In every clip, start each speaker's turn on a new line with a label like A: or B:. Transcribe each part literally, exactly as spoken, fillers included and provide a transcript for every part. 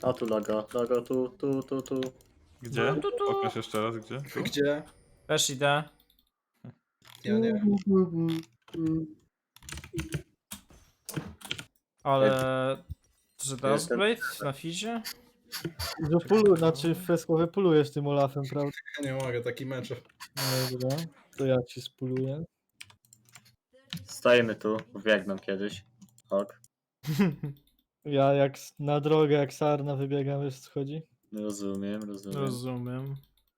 A: A tu logo, logo tu, tu, tu, tu.
B: Gdzie?
C: Tu, tu, tu.
B: Pokaż jeszcze raz, gdzie? Tu?
D: Gdzie?
C: Też idę.
D: Ja nie wiem.
C: Ale... Że
A: Jestem-
C: Dustblade na fizie?
E: Że pulu, znaczy freskowy pulujesz tym Olafem, prawda?
D: Ja nie mogę, taki mecz.
E: Dobra, to ja ci spuluję.
A: Stajemy tu, biegną kiedyś. Ok,
E: Ja jak s- na drogę, jak sarna wybiegam, wiesz co chodzi?
A: rozumiem, rozumiem.
C: Rozumiem.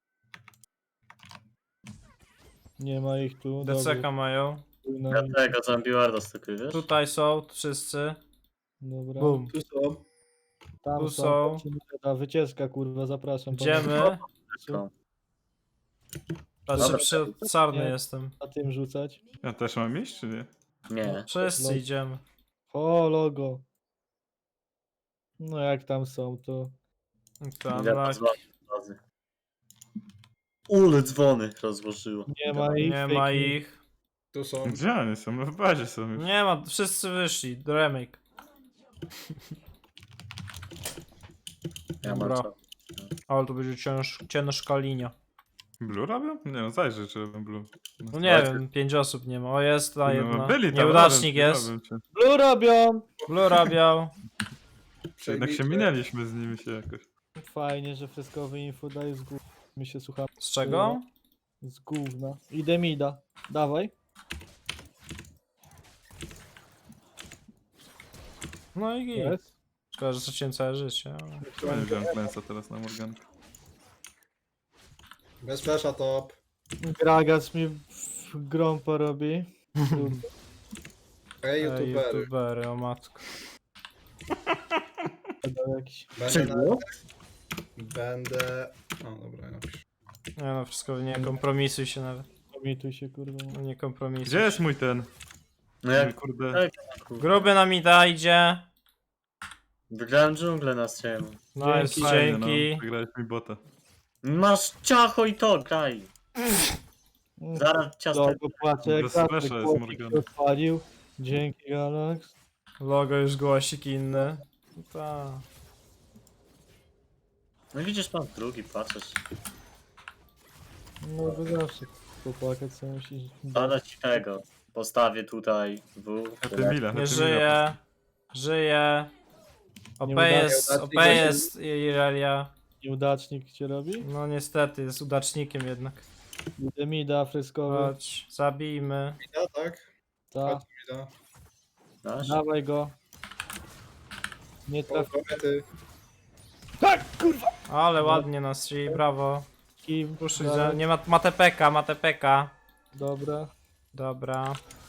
E: Nie ma ich tu,
C: D C K
E: dobrze.
C: mają.
E: No,
A: Ja tego zombie warda stukuje, wiesz?
C: Tutaj są wszyscy.
E: dobra.
C: Bum.
D: Tu są.
E: Tam
C: tu
E: są.
C: są.
E: tam się nie da. Wycieczka, kurwa, zapraszam.
C: Idziemy.
A: Wszystko.
C: Patrzę,
A: Dobra.
C: przy sarny
E: Nie.
C: jestem.
E: Na tym rzucać.
B: Ja też mam iść, czy nie?
A: Nie.
C: Wszyscy idziemy.
E: O, logo. No jak tam są, to...
C: Tam,
A: Ja
C: tak.
A: dzwonię razy. Ule dzwony rozłożyło.
E: Nie ma ich.
C: Nie
E: fake
C: ma
E: news.
C: ich.
D: Tu są.
B: Gdzie oni są? No w bazie są już.
C: Nie ma, wszyscy wyszli. Remake.
A: Ja mam
C: Dobra.
A: co.
C: Ale to będzie cięż, ciężka linia.
B: Blue robią? Nie no, zajrzę, czy robią blue.
C: No nie wiem, pięć osób nie ma. O, jest ta jedna.
B: No, byli tam,
C: Nieudacznik
B: robią,
C: jest.
B: robią cię.
E: Blue robią!
C: Blue rabiał.
B: Jednak się minęliśmy z nimi się jakoś.
E: Fajnie, że freskowy info daje z gówna. My się słuchamy.
C: Z czego?
E: Z gówna. Idę mida. Dawaj.
C: No i git.
E: Jest.
C: Szkoda, że straciłem całe życie. ale-
B: Ja nie wziąłem klęsa teraz na Morgan.
D: Bez flasha top.
E: Gragas mi w grą porobi.
D: Ej,
C: Ej,
D: youtubery.
C: youtubery, o matko.
E: Dał jakiś...
D: Będę, na...
A: Czego?
D: Będę... O, dobra, ja napiszę.
C: Nie no, wszystko nie kompromisuj się nawet.
E: Komituj się, kurwa.
C: No nie kompromisuj
B: Gdzie jest
C: się.
B: mój ten?
A: No
B: Mój
A: jak
B: kurde.
A: tak, kurwa.
C: Gruby nam ida idzie.
A: Wygrałem dżunglę na streamu.
C: No jest
E: Dzięki.
B: Fajnie, no.
C: dzięki.
B: Wygrałeś mi bota.
A: Masz ciacho i to, graj.
E: Mm,
A: Zaraz ciasto.
E: Logo płacze, jak
B: Bez
E: zawsze,
B: flasha jest
E: chłopik
B: Morgana.
E: się odpalił. Dzięki, Galax.
C: Logo już głosik inny. No ta.
A: No widzisz, pan drugi, patrzysz.
E: No to zawsze popłakać co musi.
A: Dada ci tego. Postawię tutaj W.
B: A ty Mila,
C: Nie
B: a ty
C: żyje. Żyje. O
E: Nie
C: P
E: udaje,
C: jest, o
D: udacznik
C: P
D: weź-
C: jest Irelia.
E: Nieudacznik cię robi?
C: No niestety, jest udacznikiem jednak.
E: Idę mida, freskowy.
C: Chodź, zabijmy.
D: Mida, tak?
E: Ta.
D: Chodź, mida.
A: Masz?
E: Dawaj go. Nie trafi.
D: Kobiety.
E: Tak, kurwa!
C: Ale ładnie nas czyli brawo.
E: Kim?
C: Proszę,
E: Dalej.
C: że nie ma, ma T P K, ma T P K.
E: Dobra.
C: Dobra.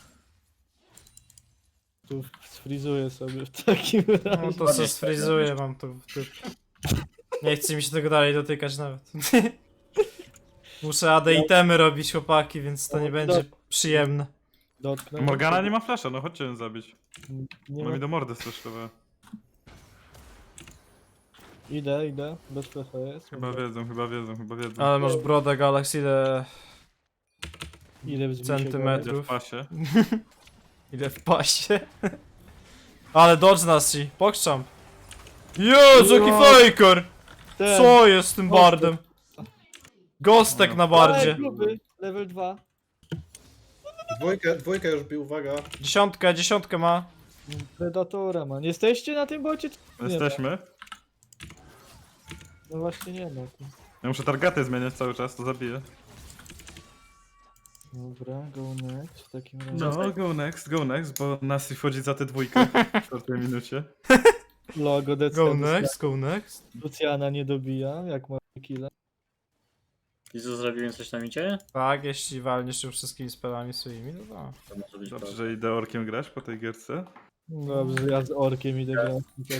E: Tu sfrizuję sobie w takim
C: No
E: razie.
C: to co sfrizuję, mam to w typ. Nie chce mi się tego dalej dotykać nawet. Muszę A D itemy robić, chłopaki, więc to nie będzie przyjemne.
E: Dotknę.
B: Morgana nie ma flasha, no chodźcie ją zabić.
E: Nie
B: Ona
E: ma...
B: mi do mordy straszowała.
E: Idę, idę. Bez flasha jest.
B: Chyba wiedzą, chyba wiedzą, chyba wiedzą.
C: Ale masz brodę Galaxy, ile,
E: Ile wzbicie
C: Centymetrów.
B: Idzie w pasie.
C: ile w pasie. Ale dodge nas ci, pokrzam. Jezu, jaki
E: No.
C: faker!
E: Ten.
C: Co jest z tym
E: Gostek.
C: bardem? Gostek na bardzie.
E: Ej, gruby. Level dwa.
D: Dwójkę, dwójkę już bił, uwaga.
C: Dziesiątkę, dziesiątkę ma.
E: Predatora man. Jesteście na tym bocie? Nie
B: Jesteśmy.
E: No właśnie nie ma.
B: Ja muszę targety zmieniać cały czas, to zabiję.
E: Dobra, go next w takim razie.
B: No, go next, go next, bo Nasi wchodzi za tę dwójkę w czwartej minucie.
E: Logo D C.
C: Go next, go next.
E: Luciana nie dobija, jak ma killa.
A: I co, zrobiłem coś na micie?
C: Tak, jeśli walniesz już wszystkimi spelami swoimi, no to.
A: To może być
B: Dobrze,
A: prawda.
B: że idę orkiem grać po tej gierce.
E: Dobrze, ja z orkiem idę grać.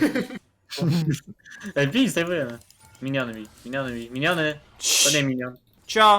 A: Ej, bij, zdejmujemy. Miniony mi, miniony mi, miniony. To nie minion.
C: Cia!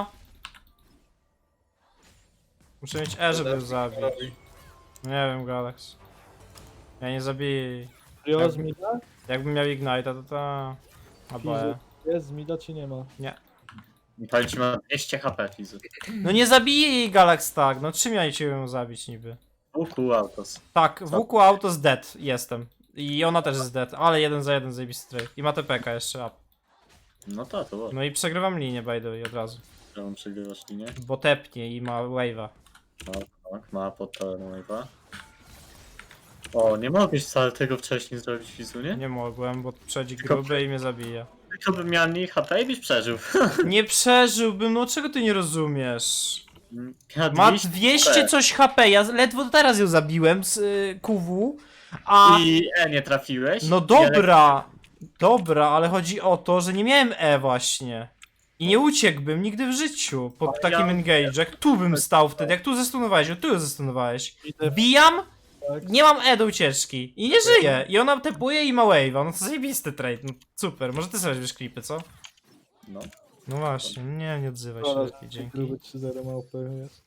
C: Muszę mieć E, żeby ją zabić.
D: Robi.
C: Nie wiem, Galax. Ja nie zabiję jej.
E: Rio z mida?
C: Jakbym miał Ignite'a, to ta... Albo E.
E: Jest z mida czy nie ma?
A: Palić ma dwieście H P fizy.
C: No nie zabiję jej, Galax, tak. No czym ja cię ją zabić niby?
A: Uku autos.
C: Tak, w łuku autos dead jestem. I ona też jest dead, ale jeden za jeden zajebisty trade. I ma T P K jeszcze up.
A: No to, to było.
C: No i przegrywam linię by the way od razu.
A: Czemu przegrywasz linię?
C: Bo tepnie i ma wave'a.
A: Tak, tak, ma pod tower wave'a. O, nie mogłeś wcale tego wcześniej zrobić, Fizunie?
C: Nie mogłem, bo przedzi
A: Tylko-
C: gruby i mnie zabija.
A: Tylko bym miał mniej H P i byś przeżył.
C: Nie przeżyłbym, no czego ty nie rozumiesz?
A: Ja
C: Ma
A: dwieście
C: dwieście coś H P, ja ledwo teraz ją zabiłem z y, Q W, a...
A: I E nie trafiłeś.
C: No dobra, dobra, ale chodzi o to, że nie miałem E właśnie. I nie uciekłbym nigdy w życiu po
D: Ale
C: takim
D: ja-
C: engage, jak tu bym stał wtedy, jak tu zestunowałeś, o tu ją zestunowałeś.
E: Idę
C: Bijam,
E: tak.
C: nie mam E do ucieczki i nie żyję. I ona tepuje i ma wave'a, no to zajebisty trade, no super, może ty sobie weźmiesz klipy, co?
A: No.
C: No właśnie, nie, nie odzywaj się
E: Zaraz,
C: lepiej, dzięki.
E: Gruby trzy zero małpy jest.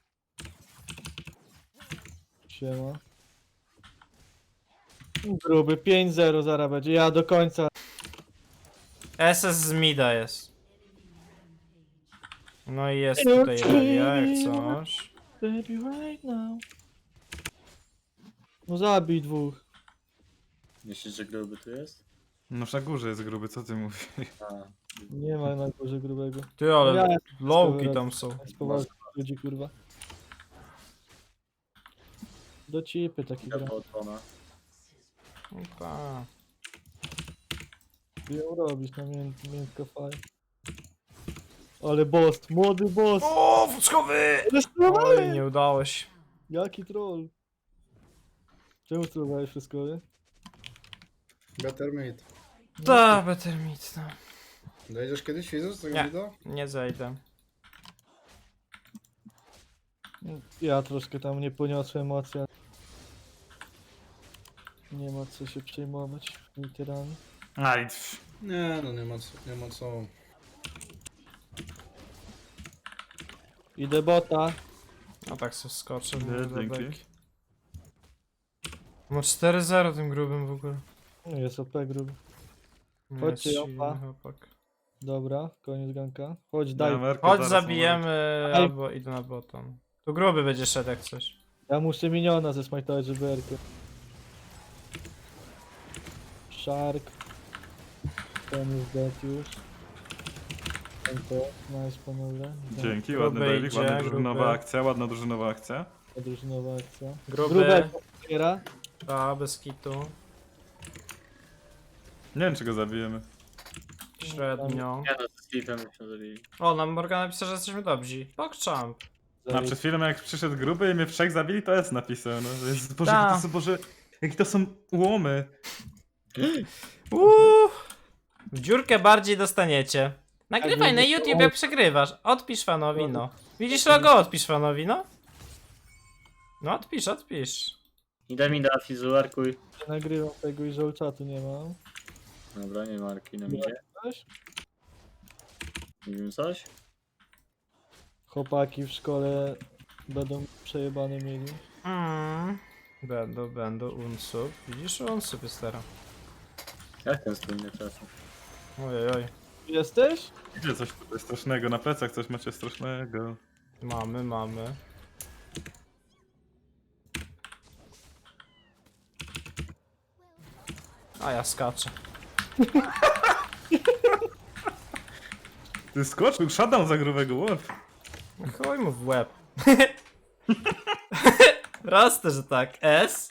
E: Siema. Gruby pięć zero zaraz będzie, ja do końca.
C: S S z mida jest. No i jest tutaj Relia, jak coś.
E: Baby right now. No zabij dwóch.
A: Myślisz, że gruby tu jest?
B: No na górze jest gruby, co ty mówisz?
A: A.
E: Nie ma na górze grubego.
C: Ty, ale
E: Ja
C: lowki tam są.
E: jest poważny ludzi kurwa. Do cipy taki gra.
A: Chyba odpona.
C: No tak.
E: Ty ją robisz na mię miętko faj. Ale boss, młody boss!
C: O, wódzkowy! Oj,
E: Restrowałem!
C: nie udało się.
E: Jaki troll? Czemu trollowałeś wszystko, nie?
D: Better meat.
C: Da, better meat, no.
D: Dojdziesz kiedyś Fizus z tego
C: Nie.
D: wideo?
C: Nie zejdę.
E: Ja troszkę tam nie poniosłem emocji. Nie ma co się przejmować, literalnie.
B: Aj, pff.
D: Nie, no nie ma co. Nie ma co.
E: Idę bota.
C: No tak sobie skoczę.
B: Nie,
C: mówię, do
B: dzięki.
C: beki. Ma cztery zero tym grubym w ogóle.
E: No jest O P gruby.
C: Nie
E: Chodźcie,
C: jest silny
E: opa.
C: chłopak.
E: Dobra, koniec ganka. Chodź, daj.
B: Amerykę
C: Chodź,
B: zaraz
C: zabijemy,
E: Ej.
C: albo idę na bottom. Tu gruby będzie szedł jak coś.
E: Ja muszę miniona ze smajtować, żeby erkę. Shark. Ten jest dead już. Ten to, nice panowie.
B: Dzięki,
C: Gruby
B: ładny Dailik,
C: idzie,
B: ładna drużynowa
C: gruby.
B: akcja, ładna drużynowa akcja.
E: Drużynowa akcja.
C: Gruby.
E: Grube otwiera.
C: A, bez kitu.
B: Nie wiem, czy go zabijemy.
C: Średnio.
A: Ja no, z Steve'em myśmy zabili.
C: O, nam Morgan napisał, że jesteśmy dobrzy. PogChamp.
B: A przed chwilą jak przyszedł gruby i mnie w trzech zabili, to jest napisał, no. To jest, Boże,
C: Ta.
B: jakie to są, Boże, jakie to są łomy.
C: Uuu. W dziurkę bardziej dostaniecie. Nagrywaj
E: Tak,
C: na
E: będzie-
C: YouTube jak przegrywasz. Odpisz fanowi, no. Widzisz logo? Odpisz fanowi, no. No odpisz, odpisz.
A: Idę mi da Fizu, arkuj.
E: Nie nagrywam tego i że czatu nie mam.
A: Dobra, nie ma arki na midzie.
E: Coś?
A: Nie wiem coś?
E: Chłopaki w szkole będą przejebane mieli.
C: Mm. Będą, będą unsub. Widzisz, unsub jest teraz.
A: Jak ten stół nie trafił?
C: Ojej, oj.
E: Jesteś?
B: Idzie coś tutaj strasznego, na plecach coś macie strasznego.
C: Mamy, mamy. A ja skaczę.
B: Ty skoczył, shutdown za grubego, łeb.
C: Chuj mu w łeb. Proste, że tak. S.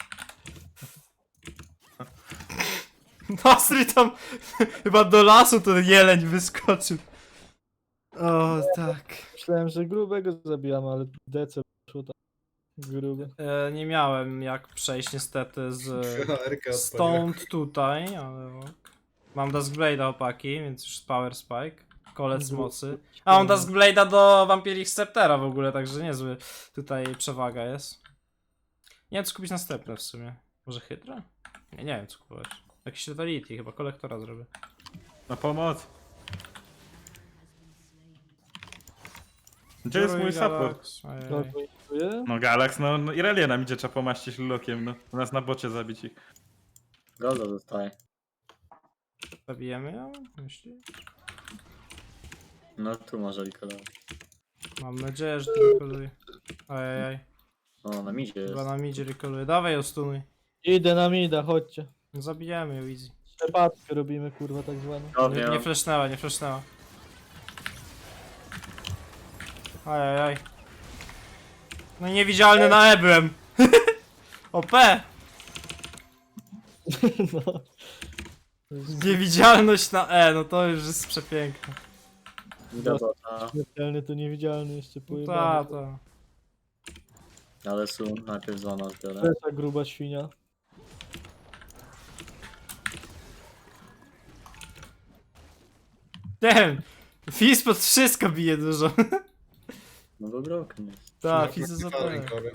C: Nasry tam chyba do lasu ten jeleń wyskoczył. O, tak.
E: Myślałem, że grubego zabijamy, ale DC poszło tak. Gruby.
C: E, nie miałem jak przejść niestety z
D: Erkę odpaliłem.
C: stąd tutaj, ale ok. Mam Duskblade'a opaki, więc już Power Spike. Kolec mocy. A mam Duskblade'a do Vampiric Sceptera w ogóle, także niezły tutaj przewaga jest. Nie wiem co kupić następne w sumie. Może Hydra? Nie, nie wiem co kupować. Jakiś Totality, chyba kolektora zrobię.
B: Na pomoc. Gdzie jest mój support?
E: Kogo inicjuje?
B: No Galax, no, no Irelia nam idzie, trzeba pomaścić lulokiem, no. U nas na bocie zabić ich.
A: Golda zostaje.
C: Zabijemy ją? Myślisz?
A: No tu może Rikola.
C: Mam nadzieję, że to rekoluje. Ajajaj.
A: O, na midzie jest.
C: Chyba nam idzie rekoluje. Dawaj ją stunuj.
E: Idę na mida, chodźcie.
C: Zabijemy ją easy.
E: Przepadkę robimy, kurwa, tak zwaną.
A: No
C: Nie,
A: wiem.
C: nie flashnęła, nie flashnęła. Ajajaj. No i niewidzialny na E byłem. O P!
E: No.
C: Niewidzialność na E, no to już jest przepiękne.
A: Idę bota.
E: Śmiertelny to niewidzialny jeszcze
C: Ta,
E: pojebany.
C: ta.
A: Ale są najpierw zona zbiorę.
E: Flesza gruba świnia.
C: Damn! Fizz pod wszystko bije dużo.
A: No bo broken jest.
C: Tak, Fizz jest O
D: Falling
C: P.
D: Core.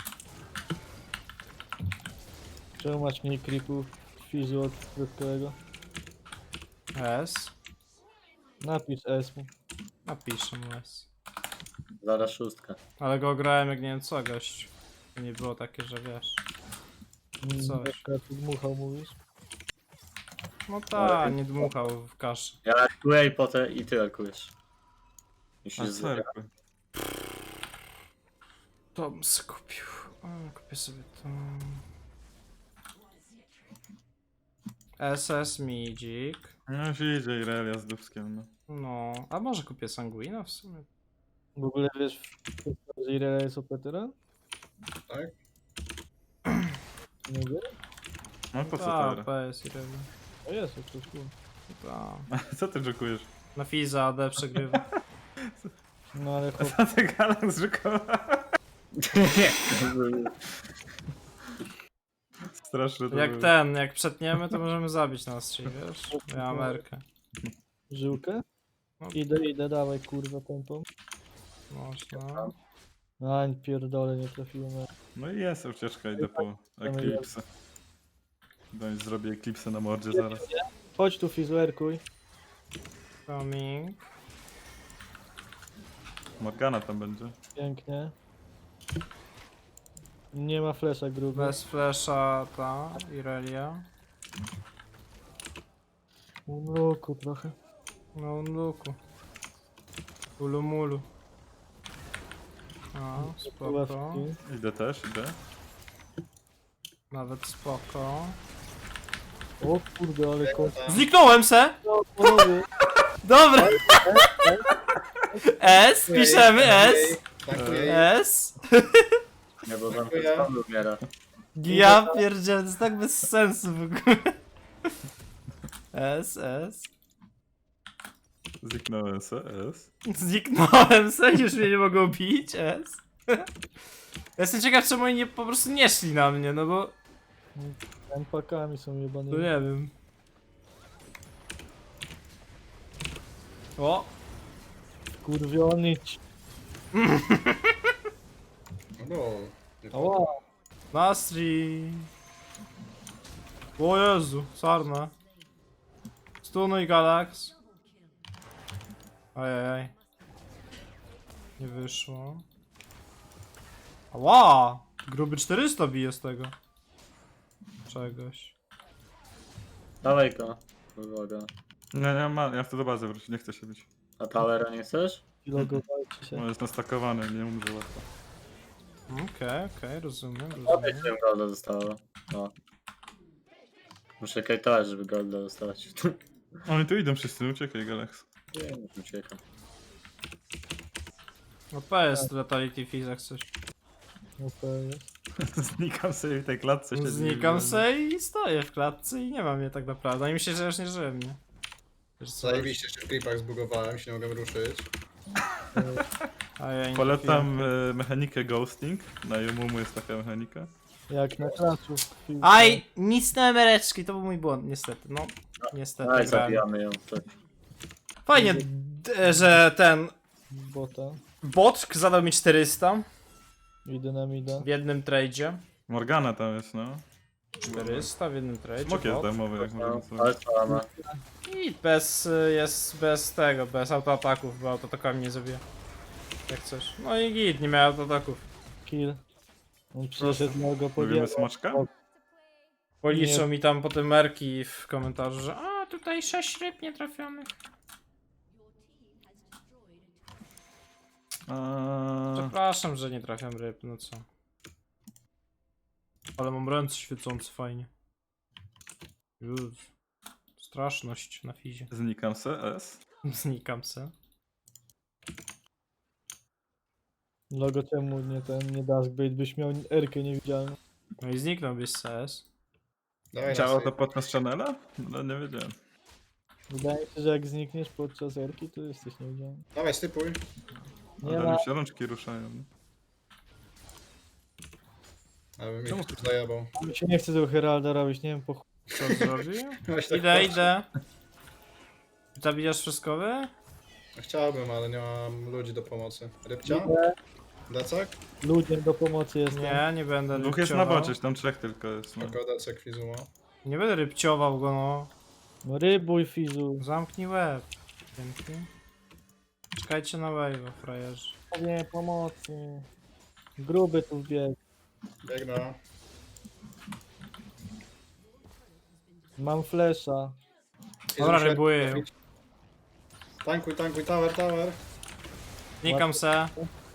E: Czemu masz mniej creepów fizu od środkowego?
C: S?
E: Napisz S mu.
C: Napiszę mu S.
A: Zaraz szóstka.
C: Ale go grałem jak nie wiem co, gość. To nie było takie, że wiesz.
E: Mm,
C: Coś.
E: jak tu dmuchał, mówisz?
C: No tak, nie dmuchał w kaszę.
A: Ja arkuję i potem i ty arkujesz. Musisz
B: A
A: z...
B: serku.
C: To bym se kupił. O, kupię sobie to. S S Midzik.
B: No już idzie Irelia z Dubskiem, no.
C: No, a może kupię Sanguina w sumie?
E: W ogóle wiesz, że Irelia jest opetera?
D: Tak?
E: Nie wiem.
B: No po co
C: Ta,
B: teraz?
C: P S i Rewy.
E: O jest, jak coś było.
C: Ta.
B: Co ty żukujesz?
C: Na Fiza A D przegrywa.
E: No ale chłop,
B: Co ty Galax żukował? Straszne to
C: Jak
B: było.
C: ten, jak przetniemy, to możemy zabić na stream, wiesz? Ja Amerykę.
E: żyłkę?
C: No.
E: Idę, idę, dawaj kurwa tempą.
C: Można.
E: A, pierdolę, nie trafiłem.
B: No i jest ucieczka, idę po Eclipse. Daj, zrobię Eclipse na mordzie zaraz.
E: Chodź tu fizuerkuj.
C: Coming.
B: Morgana tam będzie.
E: Pięknie. Nie ma flesza gruby.
C: Bez flasha ta Irelia.
E: Unuku trochę.
C: No luku. Ulumulu. A, spoko.
E: Ławki.
B: Idę też, idę.
C: Nawet spoko.
E: O kurde, ale kot.
C: Zniknąłem se!
E: No, panowie.
C: Dobra! S, piszemy S.
D: Dziękuję.
C: S.
A: Nie, bo tam
D: Dziękuję.
A: sam umiera.
C: Ja pierdzielę, to jest tak bez sensu w ogóle. S, S.
B: Zniknąłem se, S.
C: Zniknąłem se, już mnie nie mogą bić, S. Ja jestem ciekaw, czemu oni nie, po prostu nie szli na mnie, no bo...
E: Empakami są
C: No
E: jebanymi.
C: nie wiem. O!
E: Kurwiony.
D: No bo... nie
E: Ała.
C: Nastri! O Jezu, sarna. Stunuj Galax. Ajajaj. Nie wyszło. Ała! Gruby czterysta bije z tego. Czegoś.
A: Dawaj go. Uwaga.
B: Nie, nie mam, ja chcę do bazy wrócić, nie chcę się bić.
A: A towera nie chcesz?
E: Logowajcie się.
B: On jest nastakowany, nie umrze łatwo.
C: Okej, okej, rozumiem,
A: Odejdź,
C: rozumiem.
A: żebym golda dostała. No. Muszę kajtować, żeby golda dostać.
B: Oni tu idą wszyscy, no uciekaj Galax.
A: Nie, już uciekam.
C: No P jest Letality Fizz jak coś.
E: No to jest.
B: Znikam sobie w tej klatce. siedzi
C: Znikam
B: i-
C: se i stoję w klatce i nie mam mnie tak naprawdę. Oni myślą, że już nie żyłem, nie? Wiesz co?
D: Zajebiście się w klipach zbugowałem, się nie mogłem ruszyć.
C: A ja nie
B: Polecam e, mechanikę ghosting. Na Yomumu jest taka mechanika.
E: Jak na klaczu.
C: Aj, nic na emereczki, to był mój błąd, niestety. No, niestety.
A: Daj,
C: grałem.
A: zabijamy ją. Tak.
C: Fajnie, d- że ten
E: Bota.
C: bot zadał mi czterysta
E: Idę na mida.
C: w jednym tradzie.
B: Morgana tam jest, no.
C: czterysta w jednym tradzie.
B: Smok jest
C: bot.
B: darmowy, jak
A: No,
B: możemy
A: ale
B: sobie.
A: co ma?
C: I bez, y, jest bez tego, bez autoataków, bo autoatakami nie zabija. Jak coś. No i git, nie miał autoataków.
E: Kill. On przyszedł na go
B: Lubimy
E: podjechał.
B: smaczka?
C: Policzą
E: Nie.
C: mi tam potem merki w komentarzu, że a tutaj sześć ryb nietrafionych.
B: A...
C: Przepraszam, że nie trafiam ryb, no co. Ale mam ręce świecące fajnie. Już. Straszność na fizie.
B: Znikam se, S.
C: Znikam se.
E: Logo czemu nie ten, nie Duskblade, byś miał Erkę niewidzialną.
C: No i zniknął byś C S.
D: Dawaj na
B: Działało to
D: save.
B: podczas channela? No nie wiedziałem.
E: Wydaje mi się, że jak znikniesz podczas Erki, to jesteś niewidzialny.
D: Dawaj, stypuj.
E: Nie
B: Ale
E: ma.
B: mi się rączki ruszają. no.
D: Aby mi
B: Czemu
D: ktoś zajebał.
E: Mi się nie chce tego Heralda robić, nie wiem po chuj.
C: Co zrobił?
D: Weź tak
C: Idę,
D: patrz.
C: idę. Zabijasz wszystko wy?
D: Chciałbym, ale nie mam ludzi do pomocy. Rybcia?
E: Idę,
D: Decek?
E: ludziom do pomocy jestem.
C: Nie, nie będę
B: Dwóch jest na
C: rybciował.
B: bocie, tam trzech tylko jest. No.
D: Tylko Decek Fizuma.
C: Nie będę rybciował go, no.
E: No rybuj, Fizu.
C: Zamknij łeb. Dzięki. Czekajcie na wave'a, frajerzy.
E: Nie, pomocy. Gruby tu wbiegł.
D: Biegnę.
E: Mam flesza.
C: Dobra,
D: Fizu,
C: rybuję.
D: trafić. Tankuj, tankuj, tower, tower.
C: Znikam se.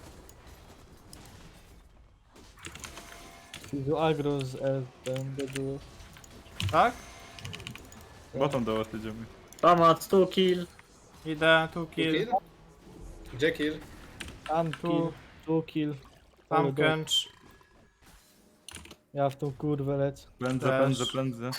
E: Fizu agro z S, ten było.
C: Tak?
B: Bottom do was idziemy.
A: Tomat, tu kill.
C: Idę, tu kill.
D: Kill? Gdzie kill?
E: Tam
C: Tu.
E: kill, tu kill.
C: Tam
E: Ale go-
C: kęcz.
E: Ja w tą kurwę lecę.
B: Pędzę,
C: Też.
B: pędzę, pędzę.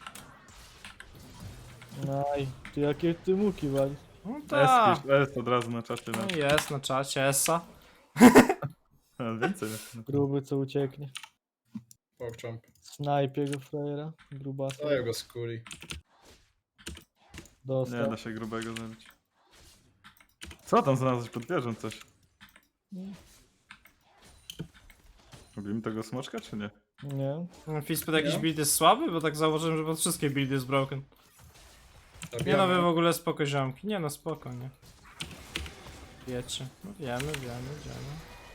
E: Naj, ty jakie ty muki wali.
C: No
B: S,
C: tak.
B: pisz, S od razu na czacie. No.
C: No jest na czacie, Essa.
B: A, więcej. jest, no.
E: Gruby co ucieknie.
D: Pokczamp.
E: Snajpie go frajera. Grubasa.
D: Daj go skuli.
B: Nie
E: Dostał.
B: da się grubego zabić. Co tam znalazłeś pod wieżą coś? Robimy tego smoczka czy nie?
E: Nie.
C: Fispet jakiś
D: Nie?
C: build jest słaby? Bo tak założyłem, że pod wszystkie buildy jest broken. Nie no,
D: Zabijamy.
C: wy w ogóle spoko ziomki. Nie no, spoko, nie. Wiecie. No wiemy, wiemy, wiemy.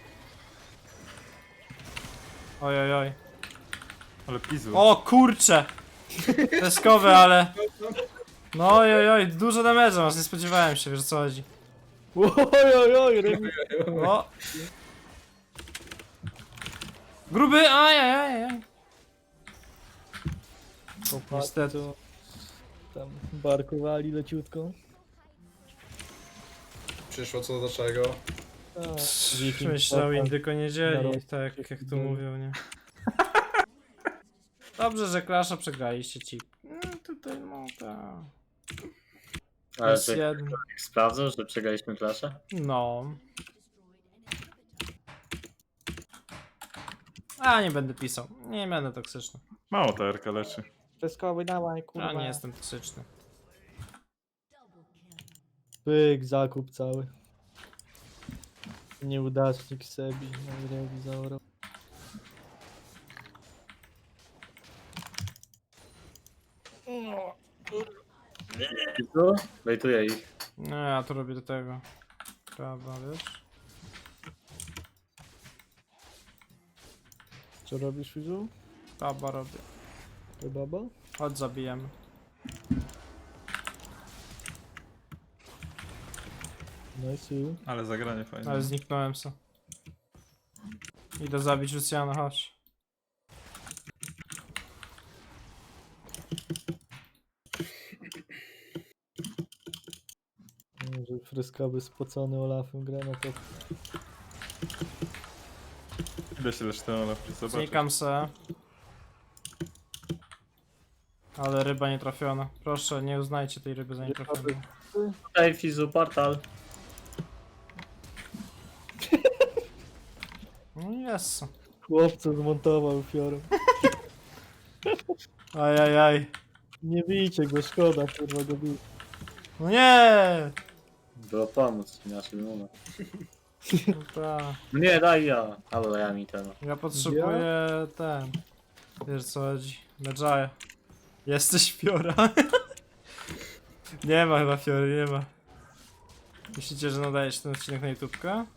C: Oj, oj, oj.
B: Ale pizu.
C: O kurcze! Peskowe, ale... No oj, oj, oj, dużo damage'a masz, nie spodziewałem się, wiesz o co chodzi.
E: Oj, oj, oj, ryby.
C: O! Gruby, aj, aj, aj, aj. Niestety.
E: Tam barkowali leciutko.
D: Przyszło co do czego.
E: A,
C: Myślał
E: potem-
C: indyko nie dzieli,
E: Zaraz
C: tak
E: się
C: jak tu
E: dzieli.
C: mówią, nie? Dobrze, że Clasha przegraliście ci. No tutaj no tak.
A: Ale
C: Jest
A: że
C: jeden.
A: sprawdzał, że przegraliśmy klasę?
C: No. A nie będę pisał. Nie będę toksyczny.
B: Mało ta erka leczy.
E: Peskowy dawaj, kurwa.
C: Ja nie jestem toksyczny.
E: Pyk, zakup cały. Nieudacznik Sebi, najlepiej zaorał.
A: Tu? Wejtuję ich.
C: No ja to robię do tego. Prawda, wiesz?
E: Co robisz, Fizu?
C: Baba robię.
E: To baba?
C: Chodź zabijemy.
E: Nice.
B: Ale zagranie fajne.
C: Ale zniknąłem se. Idę zabić Luciana, chodź.
E: Że fryskawy spocony Olafem gra na to.
B: Ile się leczy ten Olaf? Zobacz.
C: Znikam se. Ale ryba nie trafiona. Proszę, nie uznajcie tej ryby za nietrafioną.
A: Tutaj Fizu, portal.
C: No jest.
E: Chłopca zmontował fiorem.
C: Ajajaj.
E: Nie bijcie go, szkoda, kurwa go bić.
C: No nie!
A: Było pomóc, inaczej bym umarł.
C: No ta.
A: No nie, daj ja. Albo ja mi ten.
C: Ja potrzebuję ten. Wiesz co chodzi? Medżaja. Jesteś Fiora. Nie ma chyba Fiory, nie ma. Myślicie, że nadajesz ten odcinek na YouTubkę?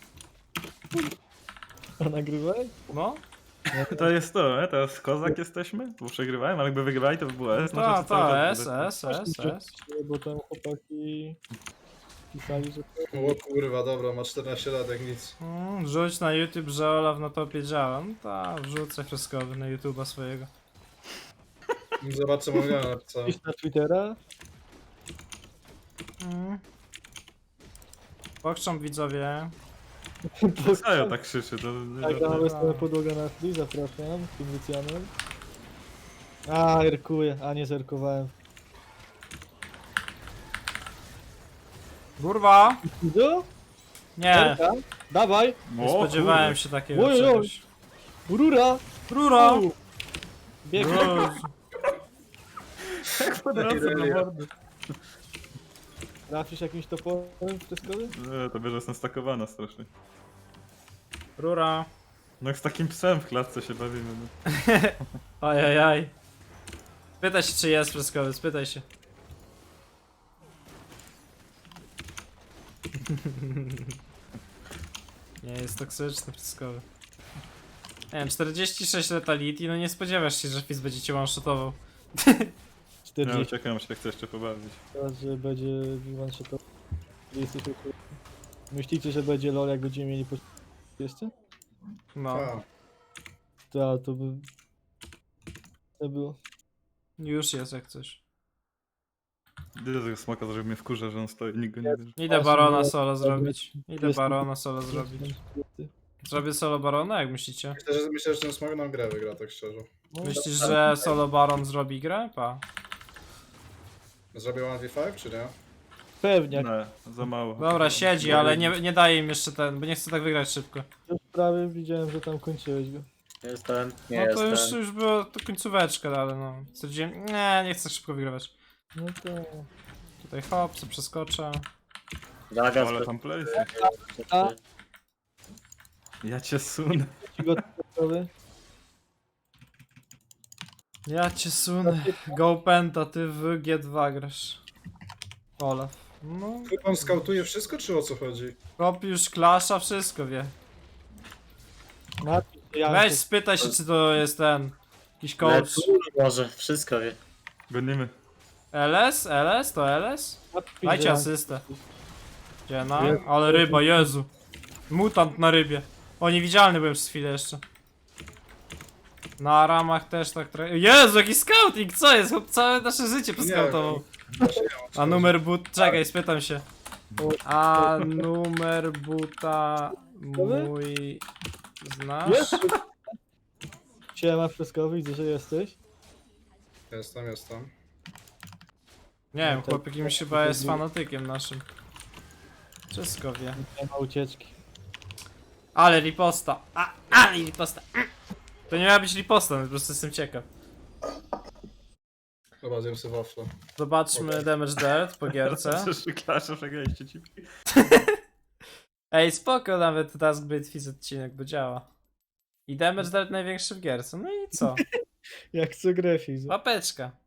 E: A nagrywaj?
C: No?
B: To jest to, nie? Teraz kozak jesteśmy? Bo przegrywałem, ale jakby wygrywali to by było S.
C: Ta,
B: znaczy, cały
C: ta,
B: czas
C: S,
B: będzie-
C: S, S, S.
E: Bo tam chłopaki pisali, że to...
D: O kurwa, dobra, ma czternaście lat jak nic.
C: Mm, wrzuć na YouTube, że Olaf na topie działa. No ta, wrzucę freskowy na YouTube'a swojego.
D: Zobaczę, co mogę napisał.
E: Iść na Twittera.
C: Mm. Pokrzą widzowie.
B: Co ja tak krzyczy, to nie
E: Tak,
B: żartuję.
E: mamy stronę podłoga na free, zapraszam, z tym Lucianem. A, erkuję, a nie zerkowałem.
C: Kurwa!
E: Widzo?
C: Nie,
E: Erka? Dawaj!
C: nie
B: O,
C: spodziewałem
B: kurde.
C: się takiego
E: Oj, oj, oj.
C: czegoś.
E: Rura!
C: Rura!
E: U. Biegnie.
C: Jezu.
B: Od razu na mordę.
E: Trafisz jakimś toporem freskowym?
B: Nie, to bierze jestem stakowana strasznie.
C: Rura.
B: No jak z takim psem w klatce się bawimy. No.
C: Ajajaj. Spytaj się, czy jest freskowy, spytaj się. Nie, jest toksyczny freskowy. Nie wiem, czterdzieści sześć letality, no nie spodziewasz się, że Fizz będzie cię one-shotował.
B: Ja
E: czterdzieści
B: uciekam, się chcę jeszcze pobawić.
E: raz, że będzie one shot. Jesteś ok. Myślicie, że będzie lol, jak będziemy mieli po... jeszcze?
C: No,
D: A,
E: To, to by... To było.
C: już jest jak coś.
B: Idę tego smoka, żeby mnie wkurza, że on stoi, nikt go nie bierze.
C: Idę barona solo zrobić. Idę barona solo zrobić.
E: Jest-
C: Zrobię solo barona, jak myślicie?
D: myślę, że, myślę, że ten smog nam grę wygra, tak szczerze.
E: No,
C: Myślisz, że solo baron zrobi grę? Pa.
D: Zrobię jeden na pięć, czy nie?
E: Pewnie, jak
B: Nie, za mało.
C: Dobra, siedzi, ale nie, nie daję im jeszcze ten, bo nie chcę tak wygrać szybko.
E: już prawie widziałem, że tam kończyłeś go.
A: Jest ten, nie
C: No
A: jest
C: to już,
A: ten.
C: już było to końcóweczka, ale no. Stwierdziłem, nie, nie chcę szybko wygrywać.
E: No to...
C: Tutaj hop, co przeskoczę.
A: Zagas,
B: Ale tam place.
E: A.
B: Ja cię sunę.
E: Ci gotowy?
C: Ja cię sunę. Go Penta, ty w G dwa grasz. Olaf. No,
D: On skautuje wszystko, czy o co chodzi?
C: hop już klasza, wszystko wie.
E: Napisz, ja
C: Weź spytaj się, czy to jest ten. Jakiś coach.
A: Lecz, może, wszystko wie.
B: Gonimy.
C: L S? L S? To L S?
E: napisz,
C: Dajcie
E: że-
C: asystę. Gdzie na?
E: Jest.
C: Ale ryba, Jezu. Mutant na rybie. O, niewidzialny byłem przez chwilę jeszcze. Na ramach też tak trochę. Jezu, jaki scouting, co jest? Chłop całe nasze życie poskautował. A numer but... Czekaj, spytam się. A numer buta mój... Znasz?
E: Jest! Siema freskowy, widzę, że jesteś.
D: Jestem, jestem.
C: Nie wiem, chłop jakimś chyba jest fanatykiem naszym. Wszystko wie.
E: Nie ma ucieczki.
C: Ale riposta. A, ale riposta. Mm. To nie miała być riposta, no po prostu jestem ciekaw.
D: Dobra, zjem sobie wafle.
C: Zobaczmy damage dealt po gierce.
B: Przecież klasza przegraliście ci.
C: Ej, spoko, nawet Task Blade Fizz odcinek, bo działa. I damage dealt największy w gierce. No i co?
E: Jak co grę, Fizu.
C: Łapeczka.